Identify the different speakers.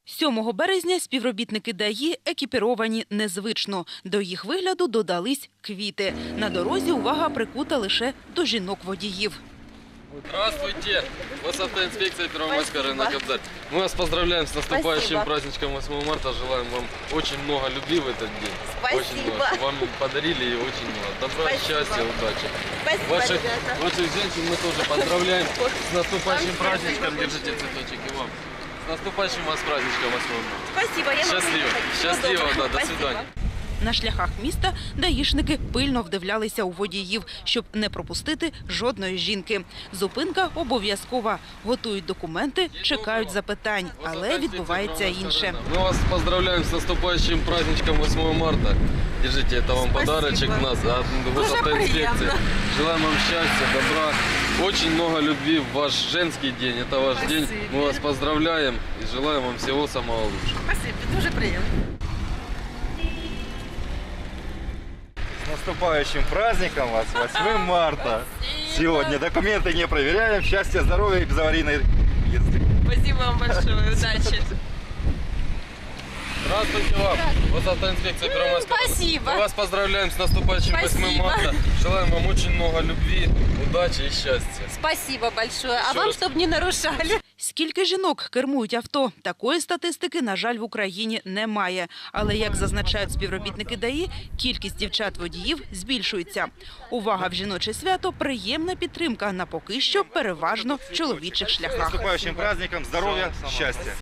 Speaker 1: 7 березня співробітники ДАІ екіпіровані незвично. До їх вигляду додались квіти. На дорозі увага прикута лише до жінок-водіїв.
Speaker 2: Здравствуйте! Вас автоинспекция Первомайская, рынок Кобзарь. Мы вас поздравляем с наступающим праздничком 8 марта. Желаем вам очень много любви в этот день.
Speaker 3: Спасибо.
Speaker 2: Очень много. Чтобы вам подарили и очень много. Добра,
Speaker 3: Спасибо.
Speaker 2: счастья, удачи.
Speaker 3: Спасибо, ребята.
Speaker 2: Ваших женщин мы тоже поздравляем с наступающим праздничком. Держите цветочек и вам. С наступающим вас праздничком 8 марта.
Speaker 3: Спасибо, я
Speaker 2: Счастливо. Счастливо, да, до свидания.
Speaker 1: На шляхах міста даїшники пильно вдивлялися у водіїв, щоб не пропустити жодної жінки. Зупинка обов'язкова. Готують документи, чекають запитань, але відбувається інше.
Speaker 2: Мы вас поздравляем с наступающим праздничком 8 марта. Держите, это вам подарочек у нас от госавтоинспекции. Желаем вам счастья, добра, очень много любви в ваш женский день. Это ваш день. Мы вас поздравляем и желаем вам всего самого лучшего.
Speaker 3: Спасибо, дуже приємно.
Speaker 4: С наступающим праздником вас, 8 марта. Сегодня документы не проверяем. Счастья, здоровья и безаварийной езды.
Speaker 3: Спасибо вам большое, удачи.
Speaker 2: Здравствуйте вам, госавтоинспекция Первомайского.
Speaker 3: Спасибо.
Speaker 2: Мы вас поздравляем с наступающим 8
Speaker 3: Спасибо.
Speaker 2: марта. Желаем вам очень много любви, удачи и счастья.
Speaker 3: Спасибо большое. А
Speaker 2: Еще
Speaker 3: вам,
Speaker 2: раз.
Speaker 3: чтобы не нарушали.
Speaker 1: Скільки жінок кермують авто? Такої статистики, на жаль, в Україні немає. Але, як зазначають співробітники ДАІ, кількість дівчат-водіїв збільшується. Увага в жіноче свято – приємна підтримка на поки що переважно чоловічих
Speaker 4: С
Speaker 1: шляхах.
Speaker 4: наступающим праздником, здоровья, счастья.